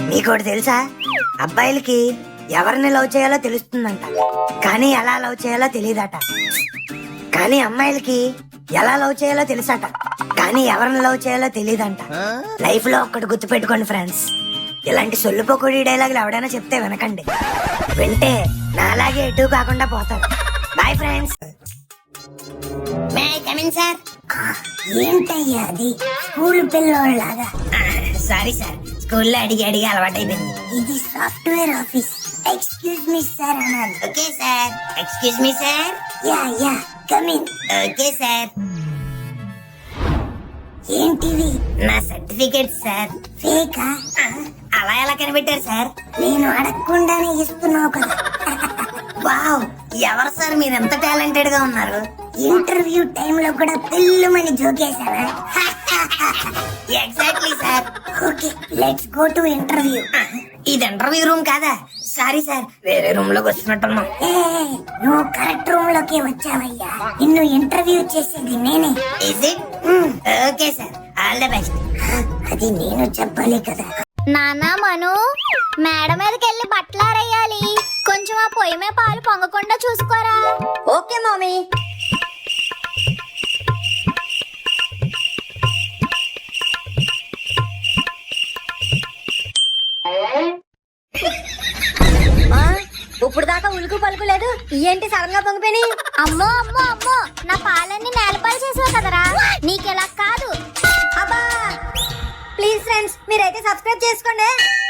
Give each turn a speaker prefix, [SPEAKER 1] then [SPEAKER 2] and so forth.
[SPEAKER 1] నీకోటి తెలుసా, అబ్బాయిలకి ఎవరిని లవ్ చేయాలో తెలుస్తుందంట, కానీ ఎలా లవ్ చేయాలో తెలియదట. కానీ అమ్మాయిలకి ఎలా లవ్ చేయాలో తెలుసట, కానీ ఎవరిని లవ్ చేయాలో తెలియదంట. లైఫ్ లో ఒక్కటి గుర్తు పెట్టుకోండి ఫ్రెండ్స్, ఇలాంటి సొల్లుపోకొడి డైలాగులు ఎవడైనా చెప్తే వినకండి. వింటే నాలాగే ఎటు కాకుండా పోతారు. Bye friends. సార్ ఏంటయ్యా అది స్కూల్ పిల్లోళ్ళలాగా? సారీ సార్, స్కూల్లో అడిగి అడిగి అలవాటైపోయింది. ఇది software office. Excuse me sir అన్నాను. Okay sir. Excuse me sir. Yeah yeah come in. Okay sir. ఏంటివి? నా సర్టిఫికేట్ సార్. ఫేకా? అలా ఎలా కనిపెట్టారు సార్? నేను అడగకుండానే ఇస్తున్నావు కదా. వావ్, ఎవరు సార్ మీరు ఎంత టాలెంటెడ్ గా ఉన్నారు? ఇంటర్వ్యూ టైమ్ లో కూడా పిల్లమని జోకేశానా? Exactly sir. Okay, let's go to interview. ఇది ఇంటర్వ్యూ రూమ్ కాదా? సారీ సార్, వేరే రూమ్ లోకి వస్తున్నట్టున్నాం. నువ్వు కరెక్ట్ రూమ్ లోకి వచ్చావయ్యా. నిన్ను ఇంటర్వ్యూ చేసేది నేనే. Is it? Okay sir, all the best. అది నేను చెప్పాలి కదా.
[SPEAKER 2] నానా మను, మేడ మీదకి వెళ్ళి బట్టలారేయాలి. కొంచెం ఆ పొయ్యి మీద పాలు పొంగకుండా చూసుకోరా.
[SPEAKER 3] Okay mummy. ఇప్పుడు దాకా ఉలుకు పలుకు లేదు, ఏంటి సడన్ గా పొంగిపోయి?
[SPEAKER 2] అమ్మో అమ్మో అమ్మో, నా పాలన్నీ నేలపాలు చేసావు కదరా. నీకెలా కాదు.
[SPEAKER 3] అబ్బా, ప్లీజ్ ఫ్రెండ్స్ మీరైతే సబ్స్క్రైబ్ చేసుకోండి.